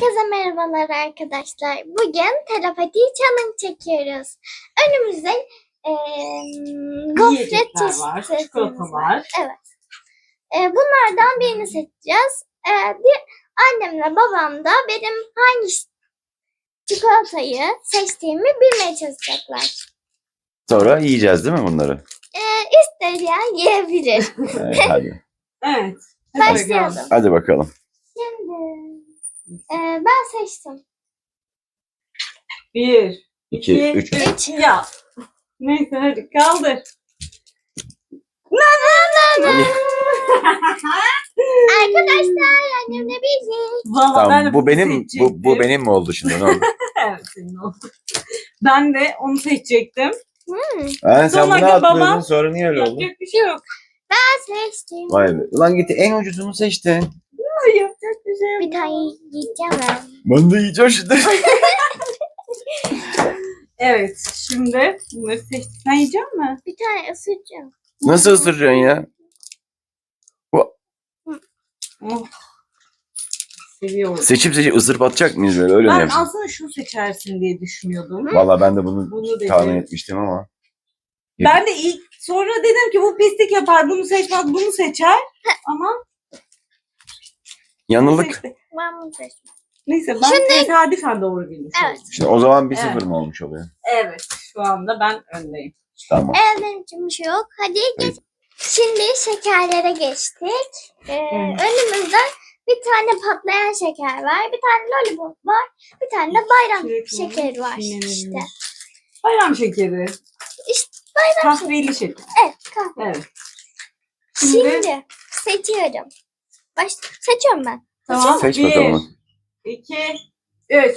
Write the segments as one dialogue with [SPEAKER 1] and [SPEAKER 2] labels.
[SPEAKER 1] Herkese merhabalar arkadaşlar. Bugün telepati challenge çekiyoruz. Önümüzde gofret
[SPEAKER 2] Yiyecekler var, çikolata var.
[SPEAKER 1] Evet. Bunlardan birini seçeceğiz. Annemle babam da benim hangi çikolatayı seçtiğimi bilmeye çalışacaklar.
[SPEAKER 3] Sonra yiyeceğiz değil mi bunları?
[SPEAKER 1] İsteyen yiyebilir.
[SPEAKER 3] Evet, hadi.
[SPEAKER 2] Evet.
[SPEAKER 1] Başlayalım.
[SPEAKER 3] Hadi bakalım.
[SPEAKER 1] Şimdi ben seçtim.
[SPEAKER 2] 1,
[SPEAKER 3] 2, 3.
[SPEAKER 1] 3.
[SPEAKER 2] Ya. Neyse hadi kaldır.
[SPEAKER 1] Arkadaşlar annemle bizi.
[SPEAKER 2] Vallahi ben de
[SPEAKER 3] Tamam, bu benim
[SPEAKER 2] seçecektim.
[SPEAKER 3] bu benim mi oldu şimdi? Ne oldu?
[SPEAKER 2] Evet senin oldu. Ben de onu seçecektim.
[SPEAKER 3] Sen
[SPEAKER 2] Sonra
[SPEAKER 3] bunu
[SPEAKER 2] babam-
[SPEAKER 3] atlıyordun, sonra niye öyle oldu?
[SPEAKER 2] Yapacak bir şey yok.
[SPEAKER 1] Ben seçtim.
[SPEAKER 3] Vay be. Ulan git en ucuzunu seçtin.
[SPEAKER 2] Yapacak bir şey yok.
[SPEAKER 1] Bir tane yiyeceğim ben.
[SPEAKER 3] Ben de yiyeceğim şimdi.
[SPEAKER 2] Evet şimdi bunları seçtik. Sen yiyecek misin?
[SPEAKER 1] Bir tane ısıracağım.
[SPEAKER 3] Nasıl ısıracaksın ya?
[SPEAKER 2] Oh. Seviyorum.
[SPEAKER 3] Seçip ısırıp atacak mıyız böyle? Öyle mi
[SPEAKER 2] Ben
[SPEAKER 3] yapacağız?
[SPEAKER 2] aslında şunu seçersin diye düşünüyordum.
[SPEAKER 3] Valla ben de bunu
[SPEAKER 2] Bunu dedim.
[SPEAKER 3] tahmin etmiştim ama.
[SPEAKER 2] Ben de ilk sonra dedim ki bu pislik yapar, bunu seçmez, bunu seçer. Ama
[SPEAKER 3] Yanıldık.
[SPEAKER 2] seçti.
[SPEAKER 1] Ben bunu seçtim.
[SPEAKER 2] Neyse ben tesadüfen doğru bilmiş
[SPEAKER 1] Evet.
[SPEAKER 2] oldum.
[SPEAKER 3] Şimdi o zaman 1-0
[SPEAKER 2] Evet.
[SPEAKER 3] mı olmuş oluyor?
[SPEAKER 2] Evet, şu anda ben öndeyim.
[SPEAKER 3] Tamam.
[SPEAKER 1] Benim için bir şey yok. Hadi geç. Şimdi şekerlere geçtik. Önümüzde bir tane patlayan şeker var. Bir tane lollipop var. Bir tane de bayram
[SPEAKER 2] Çilek var,
[SPEAKER 1] şekeri var
[SPEAKER 2] çiğnenebilir.
[SPEAKER 1] işte.
[SPEAKER 2] Bayram şekeri.
[SPEAKER 1] İşte bayram şekeri.
[SPEAKER 2] Kahveli şeker.
[SPEAKER 1] Evet kahve.
[SPEAKER 2] Evet.
[SPEAKER 1] Şimdi seçiyorum. Seçiyorum ben.
[SPEAKER 2] Tamam.
[SPEAKER 3] Seç
[SPEAKER 2] 1,
[SPEAKER 3] bakalım.
[SPEAKER 2] 2, 3.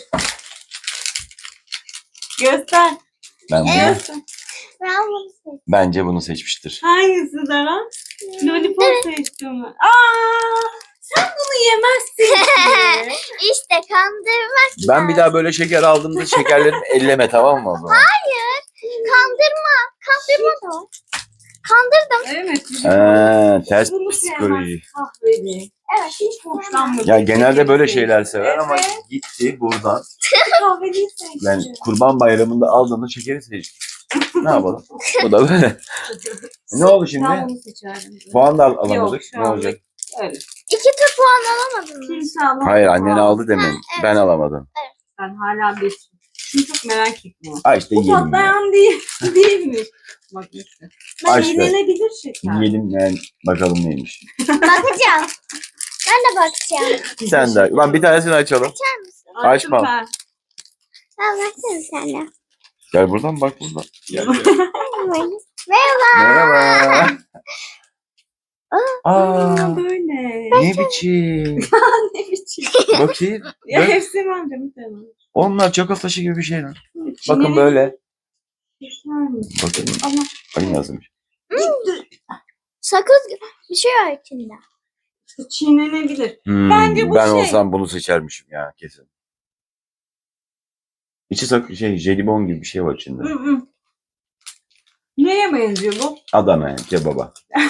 [SPEAKER 2] Göster.
[SPEAKER 3] Ben bunu,
[SPEAKER 1] Evet. Ben bunu seçtim.
[SPEAKER 3] bence bunu seçmiştir.
[SPEAKER 2] Hangisi Dara? Lollipop seçtim ben. Sen bunu yemezsin ki.
[SPEAKER 1] İşte kandırmak
[SPEAKER 3] Ben bir daha böyle şeker aldığımda şekerlerimi elleme, tamam mı o zaman?
[SPEAKER 1] kandırma. Kandırma da. Kandırdım.
[SPEAKER 2] Evet.
[SPEAKER 3] Ters
[SPEAKER 2] Bunu
[SPEAKER 3] psikoloji.
[SPEAKER 2] sevmez, kahveli.
[SPEAKER 1] Evet.
[SPEAKER 2] Hiç hoşlanmadım.
[SPEAKER 3] Ya genelde böyle şeyler sever ama
[SPEAKER 2] Evet.
[SPEAKER 3] gitti buradan.
[SPEAKER 2] Kahveli seçti.
[SPEAKER 3] Ben Kurban Bayramı'nda aldığımda şekeri seçtim. Ne yapalım? Bu da böyle. Ne oldu
[SPEAKER 2] Ben
[SPEAKER 3] şimdi?
[SPEAKER 2] bunu seçerdim.
[SPEAKER 3] Puan da alamadık.
[SPEAKER 2] Yok, şu
[SPEAKER 3] Ne
[SPEAKER 2] anda
[SPEAKER 3] olacak?
[SPEAKER 2] Öyle.
[SPEAKER 1] 2 tur puan alamadın mı?
[SPEAKER 2] Kimse alamadı.
[SPEAKER 3] Hayır, annen aldı demin.
[SPEAKER 1] evet.
[SPEAKER 3] Ben alamadım.
[SPEAKER 2] Ben hala bir. Şunu çok merak ettim.
[SPEAKER 3] Ha işte
[SPEAKER 2] Bu
[SPEAKER 3] yiyelim ya.
[SPEAKER 2] patlayan değil. Değilmiş. Bak işte.
[SPEAKER 3] Ha işte.
[SPEAKER 2] Yenilebilir şeker.
[SPEAKER 3] Yiyelim yani bakalım neymiş.
[SPEAKER 1] Bakacağım. Ben de bakacağım.
[SPEAKER 3] Sen de. Ulan bir tanesini açalım.
[SPEAKER 1] Açar mısın?
[SPEAKER 3] Açma.
[SPEAKER 2] Açma.
[SPEAKER 1] Ben baksana sen de.
[SPEAKER 3] Gel buradan bak buradan. Gel.
[SPEAKER 1] Merhaba.
[SPEAKER 3] Merhaba. Aa,
[SPEAKER 2] Böyle.
[SPEAKER 3] ne biçim?
[SPEAKER 2] Ne biçim.
[SPEAKER 3] Bakayım.
[SPEAKER 2] Ya
[SPEAKER 3] Bak.
[SPEAKER 2] hepsi mi amca bir tane?
[SPEAKER 3] Onlar çakıl taşı gibi bir şey lan. Bakın
[SPEAKER 2] Çiğnenebilir.
[SPEAKER 3] böyle.
[SPEAKER 2] Güzelmiş.
[SPEAKER 3] Bakın.
[SPEAKER 2] Ama
[SPEAKER 3] Bakın yazmış.
[SPEAKER 1] Sakız bir şey var içinde.
[SPEAKER 2] çiğnenebilir.
[SPEAKER 3] Hmm,
[SPEAKER 2] Bence bu
[SPEAKER 3] ben
[SPEAKER 2] şey-
[SPEAKER 3] olsam bunu seçermişim ya kesin. İçi jelibon gibi bir şey var içinde.
[SPEAKER 2] Hı hı. Neye benziyor bu?
[SPEAKER 3] Adana kebaba.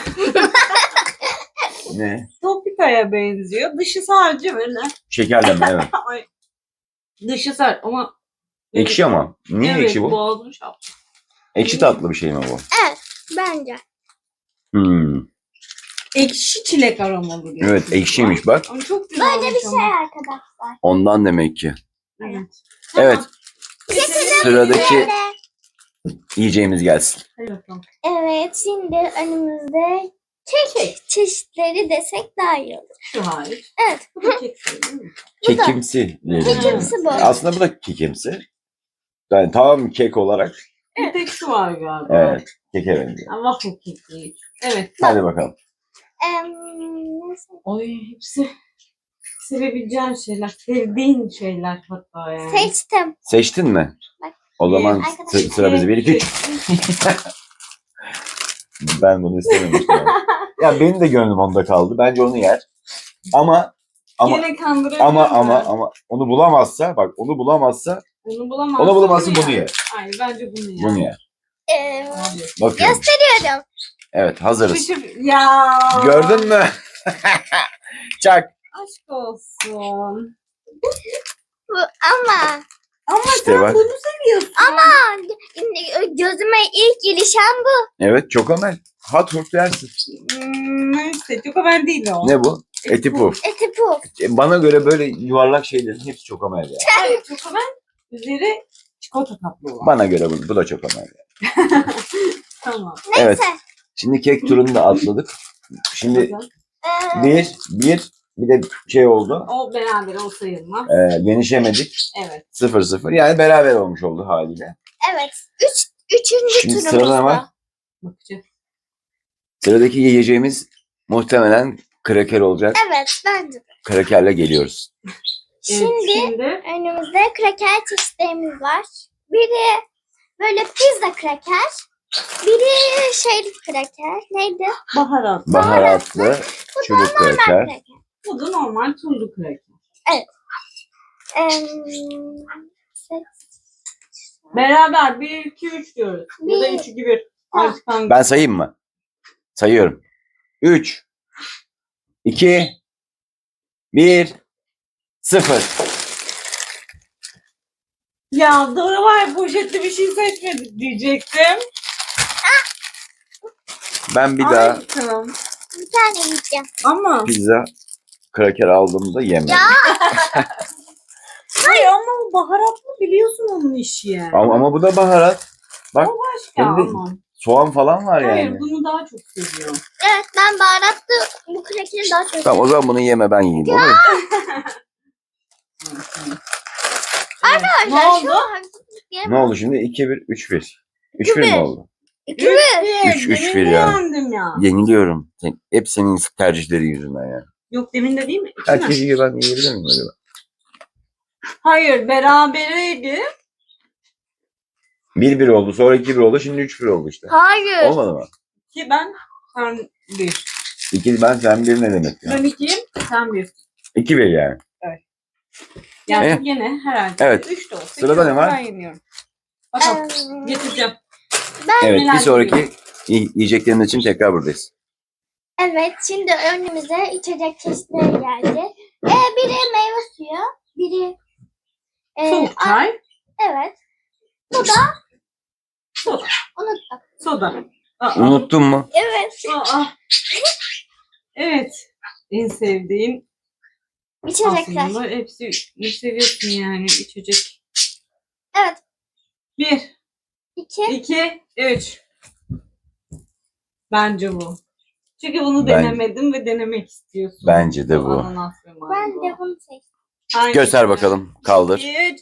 [SPEAKER 3] Ne?
[SPEAKER 2] Topikaya benziyor. Dışı sadece böyle.
[SPEAKER 3] Şekerleme evet.
[SPEAKER 2] Ay. Dışı sert ama.
[SPEAKER 3] Ekşi ama. Niye
[SPEAKER 2] evet,
[SPEAKER 3] ekşi bu?
[SPEAKER 2] Boğazım şaptı.
[SPEAKER 3] Ekşi tatlı bir şey mi bu?
[SPEAKER 1] Bence.
[SPEAKER 3] Hmm.
[SPEAKER 2] Ekşi çilek aromalı diyor.
[SPEAKER 3] Evet ekşiymiş bak.
[SPEAKER 2] Ama çok güzel.
[SPEAKER 1] Böyle bir şey arkadaşlar.
[SPEAKER 3] Ondan demek ki.
[SPEAKER 2] Evet.
[SPEAKER 3] Evet.
[SPEAKER 1] Getirin
[SPEAKER 3] Sıradaki
[SPEAKER 1] böyle.
[SPEAKER 3] yiyeceğimiz gelsin.
[SPEAKER 2] Hadi bakalım.
[SPEAKER 1] Evet şimdi önümüzde kek çeşitleri desek daha iyi olur.
[SPEAKER 2] Şu hariç.
[SPEAKER 1] Evet.
[SPEAKER 2] Bu da kek değil mi?
[SPEAKER 1] Bu da.
[SPEAKER 3] Kekimsi. diyelim.
[SPEAKER 1] Kekimsi bu.
[SPEAKER 3] Aslında bu da kekimsi. Yani tamam kek olarak.
[SPEAKER 2] Bir tek şu var galiba.
[SPEAKER 3] Evet. Keke benziyor.
[SPEAKER 2] Ama waffle kek değil. Evet.
[SPEAKER 3] Hadi bakalım.
[SPEAKER 1] Nasıl?
[SPEAKER 2] Oy hepsi sevebileceğin şeyler. Sevdiğin şeyler hatta yani.
[SPEAKER 1] Seçtim.
[SPEAKER 3] Seçtin mi?
[SPEAKER 1] Bak.
[SPEAKER 3] O zaman
[SPEAKER 1] Arkadaşlar.
[SPEAKER 3] sıra bize 1 2 3. Ben bunu istememiştim. Ya benim de gönlüm onda kaldı. Bence onu yer. Ama
[SPEAKER 2] Gene kandırabilirim
[SPEAKER 3] ama onu bulamazsa bak onu bulamazsa
[SPEAKER 2] Onu bulamazsın.
[SPEAKER 3] onu bulamazsa bunu yer.
[SPEAKER 2] Hayır bence bunu yer.
[SPEAKER 3] Bunu yer.
[SPEAKER 2] Abi.
[SPEAKER 3] Bakıyorum.
[SPEAKER 1] Gösteriyorum.
[SPEAKER 3] Evet hazırız.
[SPEAKER 2] Ya.
[SPEAKER 3] Gördün mü? Çak.
[SPEAKER 2] Aşk olsun.
[SPEAKER 1] Ama
[SPEAKER 2] Ama
[SPEAKER 3] İşte
[SPEAKER 2] sen
[SPEAKER 3] bak.
[SPEAKER 2] bunu seviyorsun.
[SPEAKER 1] gözüme ilk ilişen bu.
[SPEAKER 3] Evet çokomel. Hot Wheels yersin.
[SPEAKER 2] Neyse çok haber değil o.
[SPEAKER 3] Ne bu? Eti puf.
[SPEAKER 1] Eti puf.
[SPEAKER 3] Bana göre böyle yuvarlak şeylerin hepsi çokomel ya.
[SPEAKER 2] Hayır çok haber. Üzeri çikolata kaplı olan.
[SPEAKER 3] Bana göre bu da çokomel ya.
[SPEAKER 2] Tamam.
[SPEAKER 1] Neyse.
[SPEAKER 3] Evet. Şimdi kek turunu da atladık. Şimdi
[SPEAKER 1] Ee,
[SPEAKER 3] bir de şey oldu.
[SPEAKER 2] O beraber o sayılmaz.
[SPEAKER 3] Yenişemedik.
[SPEAKER 2] Evet.
[SPEAKER 3] 0-0. Yani beraber olmuş oldu haliyle.
[SPEAKER 1] evet. Üçüncü
[SPEAKER 3] Şimdi
[SPEAKER 1] turumuzda.
[SPEAKER 3] sırada ne var?
[SPEAKER 2] Bakacağız.
[SPEAKER 3] Sıradaki yiyeceğimiz muhtemelen kraker olacak.
[SPEAKER 1] Evet bence de.
[SPEAKER 3] Krakerle geliyoruz.
[SPEAKER 1] Şimdi önümüzde kraker çeşitlerimiz var. Biri böyle pizza kraker. Biri şeyli kraker. Neydi?
[SPEAKER 2] Baharat.
[SPEAKER 3] Baharatlı
[SPEAKER 1] Bu
[SPEAKER 3] çubuk
[SPEAKER 1] da normal
[SPEAKER 3] kraker.
[SPEAKER 1] kraker.
[SPEAKER 2] Bu da normal tuzlu kraker. Beraber 1, 2, 3 diyoruz. Ya da 3, 2, 1. Artık hangi?
[SPEAKER 3] Ben sayayım mı? Sayıyorum. 3, 2, 1, 0.
[SPEAKER 2] Ya Dora var ya, poşetli bir şey seçmedik diyecektim.
[SPEAKER 3] Ben bir daha
[SPEAKER 2] Ay, tamam.
[SPEAKER 1] Bir tane yiyeceğim.
[SPEAKER 2] Ama
[SPEAKER 3] pizza kraker aldığımda yemedim.
[SPEAKER 2] hayır ama o baharatlı biliyorsun onun işi yani.
[SPEAKER 3] Ama bu da baharat. Bak
[SPEAKER 2] O başka
[SPEAKER 3] hem de
[SPEAKER 2] ama.
[SPEAKER 3] soğan falan var
[SPEAKER 2] Hayır
[SPEAKER 3] yani.
[SPEAKER 2] bunu daha çok seviyorum.
[SPEAKER 1] Evet ben baharatlı bu krakeri daha çok
[SPEAKER 3] Tamam o zaman bunu yeme ben yiyeyim olur mu?
[SPEAKER 2] Evet. Ne
[SPEAKER 1] Arkadaşlar şu
[SPEAKER 2] oldu?
[SPEAKER 1] haksızlık diyemem.
[SPEAKER 3] Ne oldu şimdi? 2-1, 3-1. 3-1 mi oldu?
[SPEAKER 1] 2-1.
[SPEAKER 3] 3-1
[SPEAKER 2] Demin
[SPEAKER 3] ya.
[SPEAKER 2] beğendim ya.
[SPEAKER 3] Yeniliyorum. Hep senin tercihleri yüzünden ya.
[SPEAKER 2] Yok demin de değil mi? İki mi?
[SPEAKER 3] Herkes yiyor ben yiyebilir miyim acaba?
[SPEAKER 2] Hayır berabereydi.
[SPEAKER 3] 1-1 oldu sonra 2-1 oldu şimdi 3-1 oldu işte.
[SPEAKER 1] Hayır.
[SPEAKER 3] Olmadı mı?
[SPEAKER 2] Ki ben sen 1.
[SPEAKER 3] 2 ben sen 1 ne demek ya?
[SPEAKER 2] Ben 2'yim sen 1.
[SPEAKER 3] 2-1 yani.
[SPEAKER 2] Yani
[SPEAKER 3] Evet.
[SPEAKER 2] yine herhalde
[SPEAKER 3] Evet.
[SPEAKER 2] 3 de olsa.
[SPEAKER 3] Sırada
[SPEAKER 2] iki
[SPEAKER 3] ne
[SPEAKER 2] olsa
[SPEAKER 3] var?
[SPEAKER 2] Ben yeniyorum. Bakalım getireceğim.
[SPEAKER 3] Evet
[SPEAKER 2] Neler
[SPEAKER 3] bir sonraki yiyeceklerimiz için tekrar buradayız.
[SPEAKER 1] Evet şimdi önümüze içecek çeşitleri geldi. Biri meyve suyu. Biri
[SPEAKER 2] Soğuk çay.
[SPEAKER 1] evet. Bu da
[SPEAKER 2] Soda.
[SPEAKER 1] unuttum.
[SPEAKER 2] Soda. Aa.
[SPEAKER 3] Unuttun mu?
[SPEAKER 1] Evet.
[SPEAKER 2] Aa. Evet. En sevdiğim
[SPEAKER 1] İçecekler.
[SPEAKER 2] aslında hepsi ne seviyorsun yani içecek.
[SPEAKER 1] Evet.
[SPEAKER 2] 1,
[SPEAKER 1] 2.
[SPEAKER 2] 2, 3. Bence bu. Çünkü bunu
[SPEAKER 3] Ben-
[SPEAKER 2] denemedim ve denemek istiyorsun.
[SPEAKER 3] Bence de bu.
[SPEAKER 2] Ananas ve mango.
[SPEAKER 1] Ben de bunu seçtim.
[SPEAKER 2] Hangisi?
[SPEAKER 3] Göster bakalım. Kaldır.
[SPEAKER 2] 3.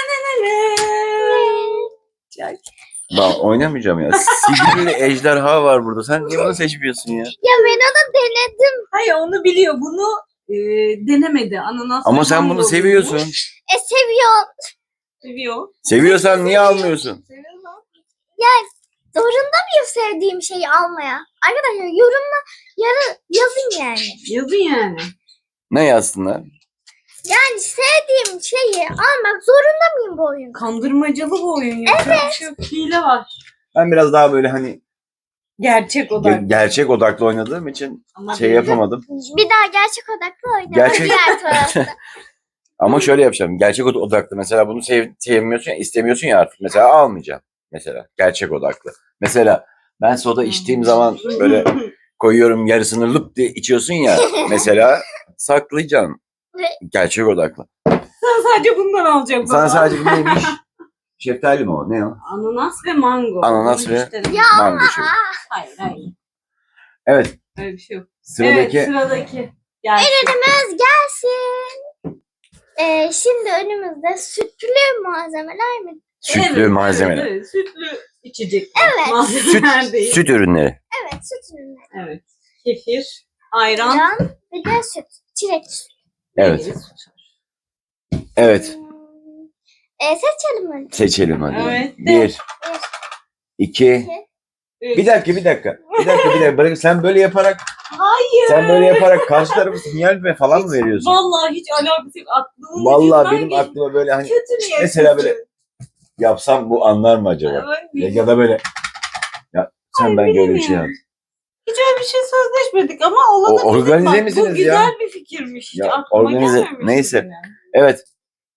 [SPEAKER 3] Ben oynamayacağım ya. Sihirli ejderha var burada. Sen niye bunu seçmiyorsun ya?
[SPEAKER 1] Ya ben onu denedim.
[SPEAKER 2] Hayır onu biliyor. Bunu denemedi. Ananas
[SPEAKER 3] Ama
[SPEAKER 2] ve
[SPEAKER 3] sen
[SPEAKER 2] mango
[SPEAKER 3] bunu seviyorsun.
[SPEAKER 2] bulmuş.
[SPEAKER 1] Seviyorum.
[SPEAKER 2] Seviyor.
[SPEAKER 3] Seviyorsan niye almıyorsun?
[SPEAKER 2] Seviyor lan.
[SPEAKER 1] Zorunda mıyım sevdiğim şeyi almaya? Arkadaşlar yorumla yazın yani.
[SPEAKER 2] Yazın yani.
[SPEAKER 3] Ne yazsınlar?
[SPEAKER 1] Yani sevdiğim şeyi almak zorunda mıyım bu oyunda?
[SPEAKER 2] Kandırmacalı bu oyun. Yapacak bir şey yok. Hile var.
[SPEAKER 3] Ben biraz daha böyle hani
[SPEAKER 2] Gerçek odak.
[SPEAKER 3] gerçek odaklı oynadığım için
[SPEAKER 2] Ama
[SPEAKER 3] şey
[SPEAKER 2] benim-
[SPEAKER 3] yapamadım.
[SPEAKER 1] Bir daha gerçek odaklı oynayalım.
[SPEAKER 3] Gerçek-
[SPEAKER 1] Diğer tarafta.
[SPEAKER 3] Ama şöyle yapacağım. Gerçek odaklı. Mesela bunu sevmiyorsun ya, istemiyorsun ya artık. Mesela almayacağım. Mesela gerçek odaklı. Mesela ben soda içtiğim zaman böyle koyuyorum yarısını lıp diye içiyorsun ya. Mesela saklayacaksın. Gerçek odaklı.
[SPEAKER 2] Sen sadece bundan alacaksın.
[SPEAKER 3] Sana
[SPEAKER 2] baba.
[SPEAKER 3] sadece bu neymiş? Şeftali mi o? Ne o?
[SPEAKER 2] Ananas ve mango.
[SPEAKER 3] Ananas
[SPEAKER 2] Bunu
[SPEAKER 3] ve-
[SPEAKER 2] hiç denemedim.
[SPEAKER 1] Ya
[SPEAKER 3] Mango şey.
[SPEAKER 2] Hayır hayır.
[SPEAKER 3] Evet.
[SPEAKER 2] Öyle bir şey yok.
[SPEAKER 3] Sıradaki
[SPEAKER 2] Evet sıradaki. Gelsin.
[SPEAKER 1] Ürünümüz gelsin. Şimdi önümüzde sütlü malzemeler mi?
[SPEAKER 3] sütlü
[SPEAKER 2] Evet,
[SPEAKER 3] malzemeler.
[SPEAKER 2] Evet, sütlü içecek.
[SPEAKER 1] Evet.
[SPEAKER 2] Malzemeler değil.
[SPEAKER 3] Süt ürünleri.
[SPEAKER 1] Evet süt ürünleri.
[SPEAKER 2] Evet. Kefir, ayran.
[SPEAKER 1] Ayran bir de süt. Çilek süt.
[SPEAKER 3] Evet.
[SPEAKER 2] meyveli süt.
[SPEAKER 3] Evet.
[SPEAKER 1] Seçelim mi?
[SPEAKER 3] Seçelim hadi.
[SPEAKER 2] Evet.
[SPEAKER 3] 1 2
[SPEAKER 2] Üç.
[SPEAKER 3] Bir dakika. Bırak sen böyle yaparak
[SPEAKER 2] Hayır.
[SPEAKER 3] karşı tarafı sinyal ve falan mı veriyorsun?
[SPEAKER 2] Vallahi hiç alakası yok. Aklımın
[SPEAKER 3] Vallahi
[SPEAKER 2] ucundan
[SPEAKER 3] benim
[SPEAKER 2] geçti.
[SPEAKER 3] aklıma böyle hani
[SPEAKER 2] Kötü niyetli.
[SPEAKER 3] mesela böyle yapsam bu anlar mı acaba? Ya da böyle ya sen ben böyle bir şey yap.
[SPEAKER 2] Hiç öyle bir şey sözleşmedik ama olabilir.
[SPEAKER 3] Organize
[SPEAKER 2] Bak,
[SPEAKER 3] misiniz
[SPEAKER 2] bu güzel
[SPEAKER 3] ya?
[SPEAKER 2] bir fikirmiş. Hiç
[SPEAKER 3] Ya,
[SPEAKER 2] aklıma
[SPEAKER 3] organize-
[SPEAKER 2] gelmemişti
[SPEAKER 3] neyse.
[SPEAKER 2] benim.
[SPEAKER 3] Evet.
[SPEAKER 1] Neyse.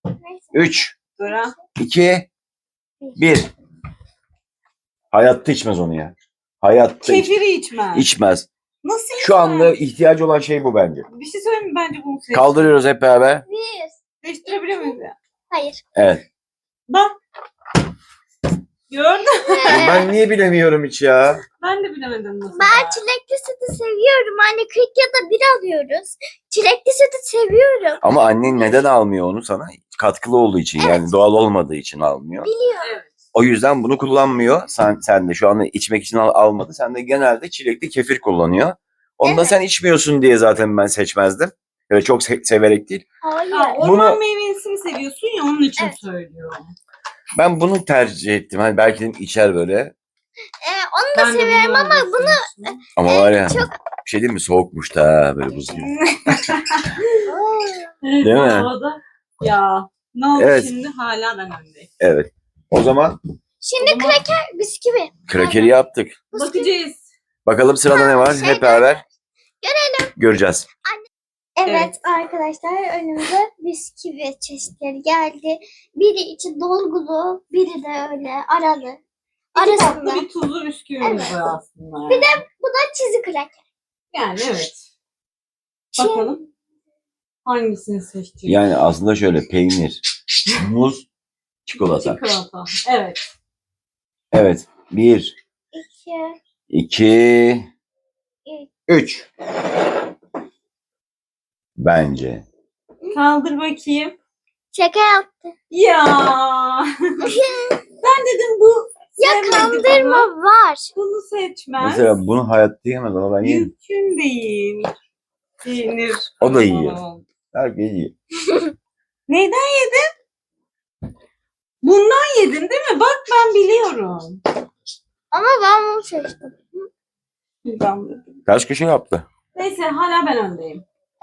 [SPEAKER 3] 3,
[SPEAKER 2] Dora.
[SPEAKER 3] 2, 1. Hayatta içmez onu ya. Hayatta
[SPEAKER 2] Kefiri içmez.
[SPEAKER 3] içmez.
[SPEAKER 2] Nasıl içmez?
[SPEAKER 3] Şu anda ihtiyacı olan şey bu bence.
[SPEAKER 2] Bir şey söyleyeyim mi? Bence bunu seç.
[SPEAKER 3] Kaldırıyoruz hep beraber.
[SPEAKER 1] Bir.
[SPEAKER 2] Seçtirebilir miyiz ya?
[SPEAKER 1] Hayır.
[SPEAKER 3] Evet.
[SPEAKER 2] Bak. Gördün mü?
[SPEAKER 3] Ben niye bilemiyorum hiç ya?
[SPEAKER 2] Ben de bilemedim nasıl.
[SPEAKER 1] Ben çilekli sütü seviyorum. Anne 40 ya da bir alıyoruz. Çilekli sütü seviyorum.
[SPEAKER 3] Ama annen neden almıyor onu sana? Katkılı olduğu için yani doğal olmadığı için almıyor.
[SPEAKER 1] Biliyorum.
[SPEAKER 2] Evet.
[SPEAKER 3] O yüzden bunu kullanmıyor. Sen de şu anda içmek için almadı. Sen de genelde çilekli kefir kullanıyor. Onu da
[SPEAKER 1] Evet.
[SPEAKER 3] sen içmiyorsun diye zaten ben seçmezdim. Öyle çok severek değil.
[SPEAKER 1] Hayır.
[SPEAKER 2] Ha, orman
[SPEAKER 3] Bunu-
[SPEAKER 2] meyvesini seviyorsun ya onun için
[SPEAKER 1] Evet.
[SPEAKER 2] söylüyorum.
[SPEAKER 3] Ben bunu tercih ettim. Hani belki dedim içer böyle.
[SPEAKER 1] Onu da
[SPEAKER 2] Ben de
[SPEAKER 1] seviyorum ama
[SPEAKER 2] öyle seviyorum.
[SPEAKER 3] Ama var ya
[SPEAKER 1] çok-
[SPEAKER 3] bir şey değil mi? Soğukmuş da ha, böyle buz gibi.
[SPEAKER 2] Evet,
[SPEAKER 3] Değil mi?
[SPEAKER 2] havada. Ya ne oldu
[SPEAKER 3] Evet.
[SPEAKER 2] şimdi hala ben öndeyim.
[SPEAKER 3] Evet. O zaman
[SPEAKER 1] Şimdi
[SPEAKER 2] O zaman-
[SPEAKER 1] kraker bisküvi.
[SPEAKER 3] krakeri yaptık.
[SPEAKER 2] Bakacağız.
[SPEAKER 3] Bakalım sırada ne var?
[SPEAKER 1] Şey
[SPEAKER 3] Hep beraber göreceğiz.
[SPEAKER 1] Evet,
[SPEAKER 2] Evet.
[SPEAKER 1] arkadaşlar önümüze bisküvi çeşitleri geldi. Biri içi dolgulu, biri de öyle aralı.
[SPEAKER 2] İki
[SPEAKER 1] Arasında.
[SPEAKER 2] tatlı bir tuzlu bisküvimiz
[SPEAKER 1] Evet.
[SPEAKER 2] var aslında.
[SPEAKER 1] Bir de bu da çizi kraker.
[SPEAKER 2] Yani evet.
[SPEAKER 1] Şimdi
[SPEAKER 2] Bakalım. Hangisini seçeceğiz?
[SPEAKER 3] Yani aslında şöyle peynir, muz, çikolata.
[SPEAKER 2] Çikolata. Evet.
[SPEAKER 3] Evet. 1,
[SPEAKER 1] iki,
[SPEAKER 3] 2,
[SPEAKER 1] üç.
[SPEAKER 3] 3. Bence.
[SPEAKER 2] Kaldır bakayım.
[SPEAKER 1] Şaka yaptı.
[SPEAKER 2] Ya. Ben dedim bu
[SPEAKER 1] Ya
[SPEAKER 2] sevmedi
[SPEAKER 1] kandırma
[SPEAKER 2] bana.
[SPEAKER 1] var.
[SPEAKER 2] Bunu seçmez.
[SPEAKER 3] Mesela bunu hayatta yiyemez ama ben yerim.
[SPEAKER 2] Mümkün değil. Peynir.
[SPEAKER 3] O da yiyor.
[SPEAKER 2] Aman.
[SPEAKER 3] Herkes yiyor.
[SPEAKER 2] Neyden yedin? Bundan yedin değil mi? Bak ben biliyorum.
[SPEAKER 1] Ama ben bunu seçtim.
[SPEAKER 2] Ben dedim.
[SPEAKER 3] Kaç kişi yaptı?
[SPEAKER 2] Neyse hala ben öndeyim.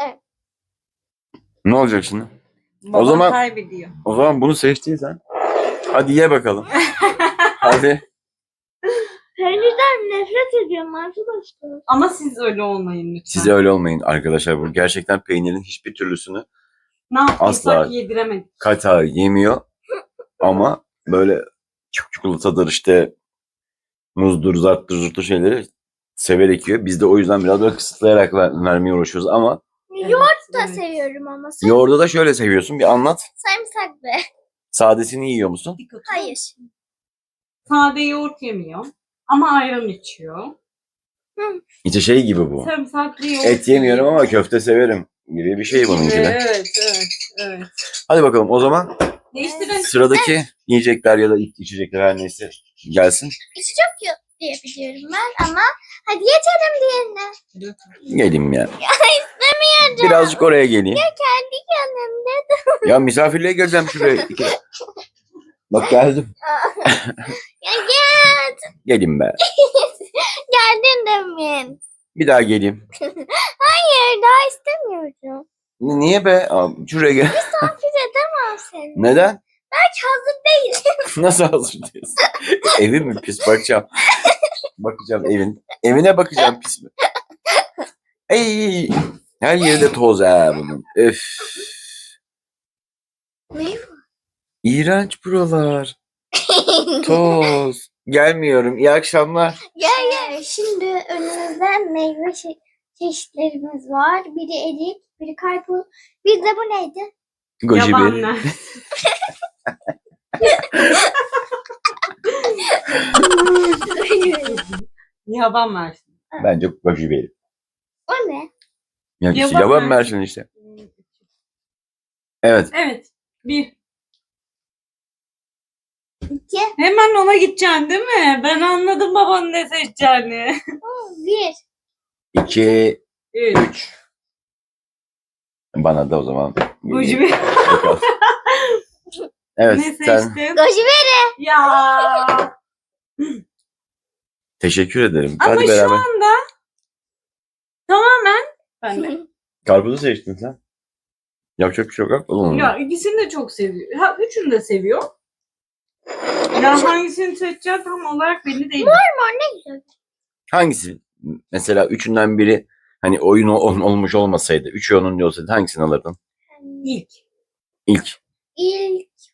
[SPEAKER 3] Ne olacak şimdi?
[SPEAKER 2] Babam
[SPEAKER 3] zaman-
[SPEAKER 2] kaybediyor.
[SPEAKER 3] O zaman bunu seçtiysen hadi ye bakalım. Hadi.
[SPEAKER 1] Peynirden nefret ediyorum arkadaşlar.
[SPEAKER 2] Ama siz öyle olmayın lütfen.
[SPEAKER 3] Siz öyle olmayın arkadaşlar. Bu gerçekten peynirin hiçbir türlüsünü
[SPEAKER 2] Ne yaptıysak
[SPEAKER 3] Asla.
[SPEAKER 2] yediremedik.
[SPEAKER 3] kata yemiyor. Ama böyle çikolatadır işte muzdur, zarttır, zurttur şeyleri severek yiyor. Biz de o yüzden biraz böyle kısıtlayarak vermeye uğraşıyoruz ama
[SPEAKER 1] Yoğurt da
[SPEAKER 2] evet.
[SPEAKER 1] seviyorum ama.
[SPEAKER 3] yoğurdu da şöyle seviyorsun. Bir anlat.
[SPEAKER 1] Sarımsak be.
[SPEAKER 3] Sadesini yiyor musun?
[SPEAKER 2] Dikkat et.
[SPEAKER 1] Hayır.
[SPEAKER 2] Sade yoğurt yemiyor. Ama ayran içiyor.
[SPEAKER 3] İşte şey gibi bu.
[SPEAKER 2] Sarımsaklı yoğurt
[SPEAKER 3] Et yemiyorum
[SPEAKER 2] yiyor.
[SPEAKER 3] ama köfte severim gibi bir şey bununki de.
[SPEAKER 2] Evet, evet, evet.
[SPEAKER 3] Hadi bakalım o zaman
[SPEAKER 2] Değiştirelim.
[SPEAKER 3] sıradaki yiyecekler ya da içecekler her neyse gelsin.
[SPEAKER 1] İçi çok yok diye biliyorum ben ama hadi geçelim diğerine.
[SPEAKER 3] Geleyim ya. Birazcık oraya geleyim.
[SPEAKER 1] Kendi yanımda.
[SPEAKER 3] Ya misafirliğe geleceğim şuraya. Bak geldim.
[SPEAKER 1] Ya gel.
[SPEAKER 3] Gelin be.
[SPEAKER 1] Geldin demin.
[SPEAKER 3] Bir daha geleyim.
[SPEAKER 1] Hayır daha istemiyorum.
[SPEAKER 3] Niye be? Aa, şuraya gel.
[SPEAKER 1] Misafir edemem seni.
[SPEAKER 3] Neden?
[SPEAKER 1] Belki hazır değilim.
[SPEAKER 3] Nasıl hazırlıyorsun? Evin mi pis? Bakacağım. Bakacağım evin. Evine bakacağım pis mi? Ey, her yerde toz ha bunun. Öf.
[SPEAKER 1] Ne?
[SPEAKER 3] İğrenç buralar. Toz. Gelmiyorum. İyi akşamlar.
[SPEAKER 1] Gel gel. Şimdi önümüzde meyve çeşitlerimiz var. Biri erik, biri karpuz. Bir de bu neydi?
[SPEAKER 3] Goji
[SPEAKER 2] Yaban
[SPEAKER 3] bir.
[SPEAKER 2] mer. Yaban mersin.
[SPEAKER 3] Bence goji bir.
[SPEAKER 1] O ne?
[SPEAKER 3] Ya işte
[SPEAKER 2] Yaban
[SPEAKER 3] yaban
[SPEAKER 2] mersin.
[SPEAKER 3] mersin işte. Evet.
[SPEAKER 2] Evet. Bir.
[SPEAKER 1] İki.
[SPEAKER 2] Hemen ona gideceksin değil mi? Ben anladım babanın ne seçeceğini.
[SPEAKER 1] Bir.
[SPEAKER 3] 2,
[SPEAKER 2] Üç.
[SPEAKER 3] 3. Bana da o zaman.
[SPEAKER 2] Goji bir.
[SPEAKER 3] Bakalım. Evet.
[SPEAKER 2] Ne
[SPEAKER 3] Sen
[SPEAKER 2] seçtin?
[SPEAKER 1] Goji beri.
[SPEAKER 2] Ya.
[SPEAKER 3] teşekkür ederim.
[SPEAKER 2] Ama
[SPEAKER 3] Hadi
[SPEAKER 2] şu
[SPEAKER 3] beraber.
[SPEAKER 2] anda tamamen ben de.
[SPEAKER 3] Karpuzu seçtin sen. Yapacak bir şey yok. Oğlum.
[SPEAKER 2] Ya ikisini de çok seviyor. Ha üçünü de seviyor. Ya hangisini seçeceğim tam olarak belli değil.
[SPEAKER 1] Ne güzel.
[SPEAKER 3] Hangisi? Mesela üçünden biri hani oyun olmuş olmasaydı, üçü onun olsaydı hangisini alırdın?
[SPEAKER 2] İlk.
[SPEAKER 3] İlk.
[SPEAKER 1] İlk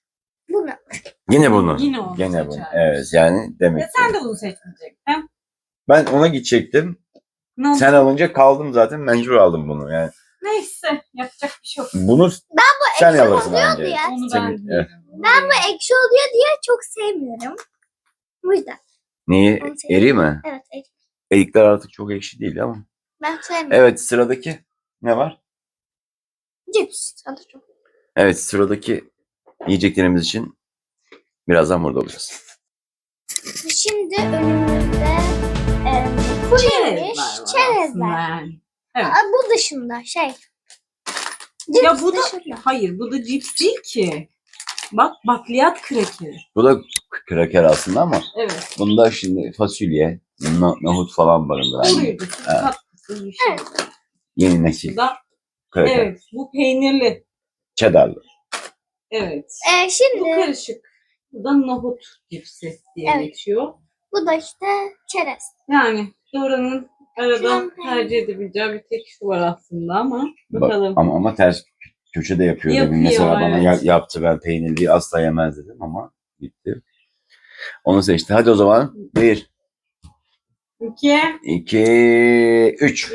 [SPEAKER 3] Yine bunu.
[SPEAKER 2] Yine onu
[SPEAKER 3] Gene bunu.
[SPEAKER 2] seçermiş.
[SPEAKER 3] Evet yani demek
[SPEAKER 2] Ya
[SPEAKER 3] ki.
[SPEAKER 2] sen de bunu seçmeyecektin.
[SPEAKER 3] Ben ona gidecektim.
[SPEAKER 2] Ne oldu?
[SPEAKER 3] Sen alınca kaldım zaten. Mecbur aldım bunu. Yani
[SPEAKER 2] Neyse yapacak bir şey yok.
[SPEAKER 3] bunu
[SPEAKER 1] Bu
[SPEAKER 3] sen
[SPEAKER 1] ekşi
[SPEAKER 3] alırsın
[SPEAKER 1] oluyor
[SPEAKER 3] bence.
[SPEAKER 1] diye.
[SPEAKER 2] Onu
[SPEAKER 3] Senin-
[SPEAKER 2] ben
[SPEAKER 3] evet.
[SPEAKER 2] yerim.
[SPEAKER 1] Bu ekşi oluyor diye çok sevmiyorum. Bu yüzden.
[SPEAKER 3] Neyi?
[SPEAKER 1] Onu seçtim.
[SPEAKER 3] Eri mi?
[SPEAKER 1] Evet ekşi.
[SPEAKER 3] Erikler artık çok ekşi değil ama.
[SPEAKER 1] Ben sevmiyorum.
[SPEAKER 3] Evet sıradaki ne var?
[SPEAKER 1] Cips. Adı çok.
[SPEAKER 3] Evet sıradaki yiyeceklerimiz için birazdan burada olacağız.
[SPEAKER 1] Şimdi önümüzde kuru yemiş
[SPEAKER 2] Çerezler var aslında
[SPEAKER 1] çerezler.
[SPEAKER 2] yani. Evet.
[SPEAKER 1] Bu dışında şey. Cips
[SPEAKER 2] Ya bu da
[SPEAKER 1] dışında.
[SPEAKER 2] hayır bu da cips değil ki. Bak bakliyat krakeri.
[SPEAKER 3] Bu da kraker aslında ama
[SPEAKER 2] Evet.
[SPEAKER 3] bunda şimdi fasulye, nohut falan barındıran
[SPEAKER 2] Oruydu. Katkısız bir şey.
[SPEAKER 1] Evet.
[SPEAKER 3] yeni nesil
[SPEAKER 2] Bu da
[SPEAKER 3] kraker.
[SPEAKER 2] evet bu peynirli.
[SPEAKER 3] Cheddarlı.
[SPEAKER 2] Evet. Bu
[SPEAKER 1] Şimdi
[SPEAKER 2] karışık. Bu da nohut cipsi diye
[SPEAKER 1] Evet.
[SPEAKER 2] geçiyor.
[SPEAKER 1] bu da işte çerez.
[SPEAKER 2] Yani Dora'nın arada
[SPEAKER 1] Şuran
[SPEAKER 2] tercih edebileceği bir tek şu var aslında ama
[SPEAKER 3] Bak,
[SPEAKER 2] bakalım.
[SPEAKER 3] ama ters köşede yapıyor. Demin
[SPEAKER 2] Yapıyor,
[SPEAKER 3] mesela bana
[SPEAKER 2] evet.
[SPEAKER 3] yaptı, ben peynirliyi asla yemez dedim ama gitti. Onu seçti. Hadi o zaman 1,
[SPEAKER 2] 2
[SPEAKER 3] 2, 3.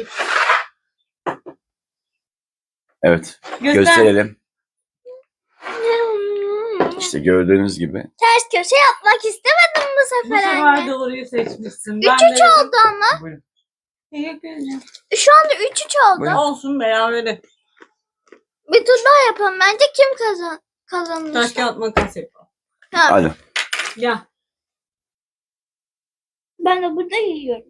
[SPEAKER 3] Evet gösterelim. İşte gördüğünüz gibi.
[SPEAKER 1] Ters köşe yapmak istemedim bu
[SPEAKER 2] Bu
[SPEAKER 1] sefer
[SPEAKER 2] sefer
[SPEAKER 1] anne.
[SPEAKER 2] Doğru'yu seçmişsin.
[SPEAKER 1] 3-3 oldu ama.
[SPEAKER 3] Buyurun.
[SPEAKER 2] Teşekkür ederim.
[SPEAKER 1] Şu anda 3-3 oldu.
[SPEAKER 3] Buyurun.
[SPEAKER 2] Olsun berabere.
[SPEAKER 1] Bir tur daha yapalım. Bence kim kazanmış?
[SPEAKER 2] Taş kağıt makas yapalım.
[SPEAKER 1] Ha,
[SPEAKER 3] Hadi.
[SPEAKER 2] Gel.
[SPEAKER 1] ben de burada yiyorum.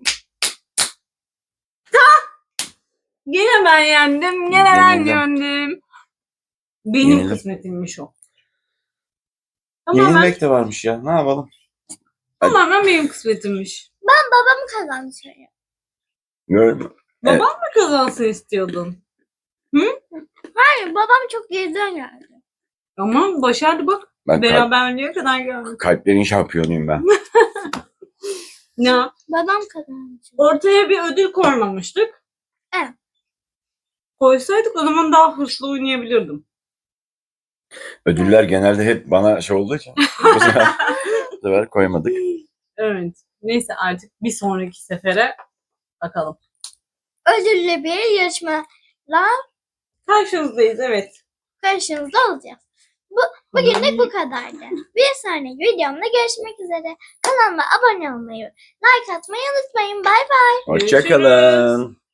[SPEAKER 2] Gene ben yendim. Gene ben
[SPEAKER 3] Yenildim.
[SPEAKER 2] yendim. Benim
[SPEAKER 3] Yenildim.
[SPEAKER 2] kısmetimmiş o. Tamamen,
[SPEAKER 3] Yenilmek de varmış ya. Ne yapalım?
[SPEAKER 2] tamamen benim kısmetimmiş.
[SPEAKER 1] Babam kazandı söylüyor.
[SPEAKER 3] Gördün mü? Evet.
[SPEAKER 2] Babam mı kazansın istiyordun?
[SPEAKER 1] Hayır babam çok geriden geldi.
[SPEAKER 2] Ama başardı bak.
[SPEAKER 3] Ben
[SPEAKER 2] Beraberliğe kadar geldik.
[SPEAKER 3] kalplerin şampiyonuyum ben.
[SPEAKER 2] Ya
[SPEAKER 1] Babam kazandı.
[SPEAKER 2] ortaya bir ödül koymamıştık.
[SPEAKER 1] Evet.
[SPEAKER 2] Koysaydık o zaman daha hırslı oynayabilirdim.
[SPEAKER 3] Ödüller genelde hep bana şey olduğu için bu sefer koymadık.
[SPEAKER 2] Evet. Neyse artık bir sonraki sefere bakalım.
[SPEAKER 1] Ödüllü bir yarışmayla
[SPEAKER 2] Karşınızdayız evet.
[SPEAKER 1] karşınızda olacağız. Bugünlük bu kadardı. Bir sonraki videomda görüşmek üzere. Kanalıma abone olmayı, like atmayı unutmayın. Bay bay.
[SPEAKER 3] Hoşçakalın.